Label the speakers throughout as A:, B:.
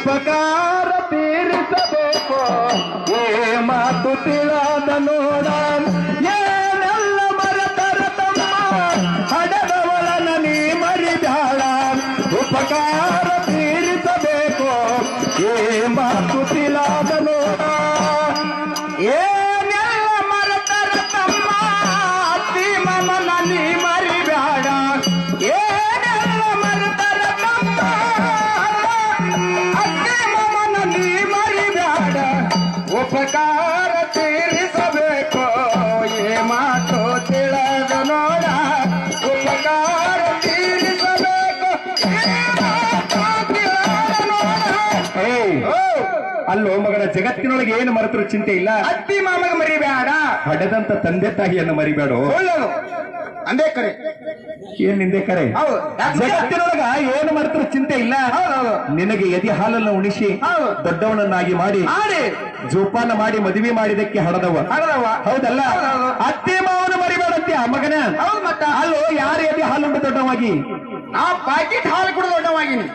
A: ಉಪಕಾರ ತೀರಿಸಬೇಕು ಏ ಮಾತು ತಿಳಿದ ನೋಡ ಏನೆಲ್ಲ ಮರೆತರ ತಮ್ಮ ಹಡದವಳನ ನೀ ಮರಿದಾಳ ಉಪಕಾರ ತೀರಿಸಬೇಕು ಏ ಮಾತು ತಿಳಿದ ನೋಡ ಏನೆಲ್ಲ ಮರೆತರ ತಮ್ಮ ಅತ್ತಿ ಮಮನ ನೀ ಮರಿಬೇಡ ಏನೆಲ್ಲ ಮರೆತರ ತಮ್ಮ ಅತ್ತಿ ಮಮನ ನೀ ಮರಿಬೇಡ ಉಪಕಾರ ತೀರಿಸಬೇಕು ಏ ಮಾತು ತಿಳಿದ ನೋಡ ಉಪಕಾರ ತೀರಿಸಬೇಕು ಅಲ್ಲೋ ಮಗನ ಜಗತ್ತಿನೊಳಗೆ ಏನು ಮರೆತರು ಚಿಂತೆ ಇಲ್ಲ ಅತ್ತಿ ಮಾಮಗ ಮರಿಬೇಡ ಹಡೆದಂತ ತಂದೆ ತಾಯಿಯನ್ನು ಮರಿಬೇಡ ಒಳ್ಳೇದು ಅಂದೇ ಕರೆ ಏನ್ ನಿಂದೆ ಕರೆ ಜಗತ್ತಿನೊಳಗ ಏನು ಮರೆತರು ಚಿಂತೆ ಇಲ್ಲ ನಿನಗೆ ಎದೆ ಹಾಲನ್ನು ಉಣಿಸಿ ದೊಡ್ಡವನನ್ನಾಗಿ ಮಾಡಿ ಜೋಪಾನ ಮಾಡಿ ಮದುವೆ ಮಾಡಿದಕ್ಕೆ ಹಡದವ ಹೌದಲ್ಲ ಅತ್ತಿ ಮಾವನ ಮರಿಬೇಡಂತೆ ಆ ಮಗನ ಅಲ್ಲೋ ಯಾರು ಎದೆ ಹಾಲುಂಡು ದೊಡ್ಡವಾಗಿ ನಾ ಪ್ಯಾಕೆಟ್ ಹಾಲು ಕೂಡ ದೊಡ್ಡವಾಗಿನಿ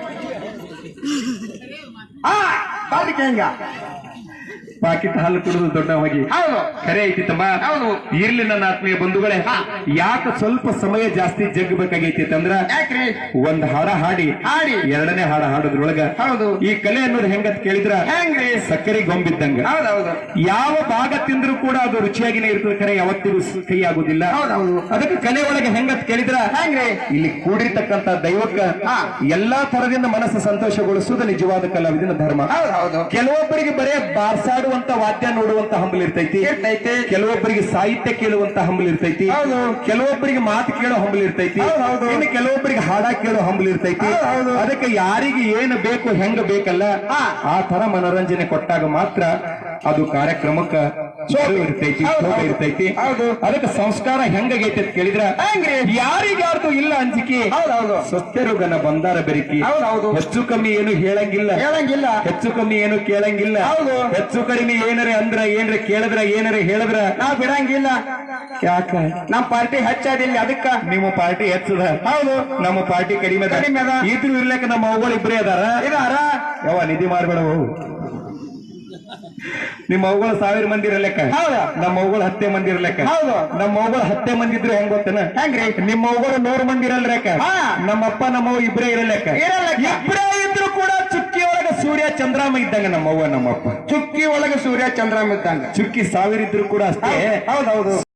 A: ಪಾಕಿಟ್ ಹಾಲು ಕುಡಿದು ದೊಡ್ಡವಾಗಿ ಕರೆ ಐತಿ ತಮ್ಮ ಇರ್ಲಿ ನನ್ನ ಆತ್ಮೀಯ ಬಂಧುಗಳೇ ಯಾಕೆ ಸ್ವಲ್ಪ ಸಮಯ ಜಾಸ್ತಿ ಜಗ್ಬೇಕಾಗೈತಿ ಅಂದ್ರ ಒಂದ್ ಹಾಡ ಹಾಡಿ ಎರಡನೇ ಹಾಡ ಹಾಡೋದ್ರೊಳಗ ಈ ಕಲೆ ಅನ್ನೋದು ಹೆಂಗತ್ ಕೇಳಿದ್ರ ಸಕ್ಕರೆ ಗೊಂಬಿದ್ದಂಗ ಯಾವ ಭಾಗ ತಿಂದ್ರು ಕೂಡ ಅದು ರುಚಿಯಾಗಿನೇ ಇರ್ತದೆ ಕರೆ ಯಾವತ್ತಿಗೂ ಕೈ ಆಗುದಿಲ್ಲ ಅದಕ್ಕೆ ಕಲೆ ಒಳಗೆ ಹೆಂಗತ್ ಕೇಳಿದ್ರ ಇಲ್ಲಿ ಕೂಡಿರ್ತಕ್ಕಂತ ದೈವಕ್ಕ ಎಲ್ಲಾ ತರದಿಂದ ಮನಸ್ಸು ಸಂತೋಷಗೊಳಿಸುವುದು ನಿಜವಾದ ಕಲಾವಿದನ ಧರ್ಮ ಕೆಲವೊಬ್ಬರಿಗೆ ಬರೇ ಬಾರ್ಸಾಡುವಂತ ವಾದ್ಯ ನೋಡುವಂತ ಹಂಬಲ್ ಇರ್ತೈತಿ ಕೆಲವೊಬ್ಬರಿಗೆ ಸಾಹಿತ್ಯ ಕೇಳುವಂತ ಹಂಬಲ್ ಇರ್ತೈತಿ ಕೆಲವೊಬ್ಬರಿಗೆ ಮಾತು ಕೇಳೋ ಹಂಬಲ್ ಇರ್ತೈತಿ ಇನ್ನು ಕೆಲವೊಬ್ಬರಿಗೆ ಹಾಡ ಕೇಳೋ ಹಂಬಲ್ ಇರ್ತೈತಿ ಅದಕ್ಕೆ ಯಾರಿಗೆ ಏನು ಬೇಕು ಹೆಂಗ ಬೇಕಲ್ಲ ಆ ತರ ಮನೋರಂಜನೆ ಕೊಟ್ಟಾಗ ಮಾತ್ರ ಅದು ಕಾರ್ಯಕ್ರಮಕ್ಕ ಇರ್ತೈತಿ ಶೋಭೆ ಇರ್ತೈತಿ ಅದಕ್ಕೆ ಸಂಸ್ಕಾರ ಹೆಂಗೈತೆ ಅಂತ ಕೇಳಿದ್ರ ಯಾರಿಗಾರ್ದು ಇಲ್ಲ ಅಂಜಿಕೆ ಸ್ವಸ್ಥರುಗನ ಬಂದಾರ ಬೆರಕಿ ಹೆಚ್ಚು ಕಮ್ಮಿ ಏನು ಹೇಳಂಗಿಲ್ಲ ಹೆಚ್ಚು ಕಮ್ಮಿ ಏನು ಕೇಳಂಗಿಲ್ಲ ಹೆಚ್ಚು ಕಡಿಮೆ ಏನರೆ ಅಂದ್ರ ಏನ್ರ ಕೇಳಿದ್ರ ಏನರೆ ಹೇಳಿದ್ರ ನಾವ್ ಬಿಡಂಗಿಲ್ಲ ಯಾಕ ನಮ್ ಪಾರ್ಟಿ ಹೆಚ್ಚಾದಿಲ್ಲ ಅದಕ್ಕ ನಿಮ್ಮ ಪಾರ್ಟಿ ಹೆಚ್ಚದ ಹೌದು ನಮ್ಮ ಪಾರ್ಟಿ ಕಡಿಮೆ ಇದ್ರು ಇರ್ಲಕ್ಕ ನಮ್ಮ ಅವುಗಳು ಇಬ್ಬರೇ ಅದಾರ ಯಾವ ನಿಧಿ ಮಾಡ್ಬೇಡ ನಿಮ್ಮ ಅವುಗಳು 1000 ಮಂದಿ ಇರಲೆಕ್ಕ ನಮ್ಮ ಅವುಗಳು 10 ಮಂದಿ ಇರಲೆಕ್ಕ ನಮ್ಮ ಅವುಗಳು 10 ಮಂದಿ ಇದ್ರು ಹೆಂಗ್ ಗೊತ್ತನ ಹೆಂಗ್ರಿ ನಿಮ್ಮ ಅವುಗಳು 100 ಮಂದಿ ಇರಲ್ರೆಕ್ಕ ನಮ್ಮಪ್ಪ ನಮ್ಮವ್ ಇಬ್ಬರೇ ಇರಲೆಕ್ಕ ಇಬ್ಬರೇ ಇದ್ರು ಕೂಡ ಚುಕ್ಕಿ ಒಳಗ ಸೂರ್ಯ ಚಂದ್ರಾಮ ಇದ್ದಂಗ ನಮ್ಮವ್ವ ನಮ್ಮಪ್ಪ ಚುಕ್ಕಿ ಒಳಗ ಸೂರ್ಯ ಚಂದ್ರಾಮ ಇದ್ದಂಗ ಚುಕ್ಕಿ 1000 ಇದ್ರು ಕೂಡ ಅಷ್ಟೇ ಹೌದೌದು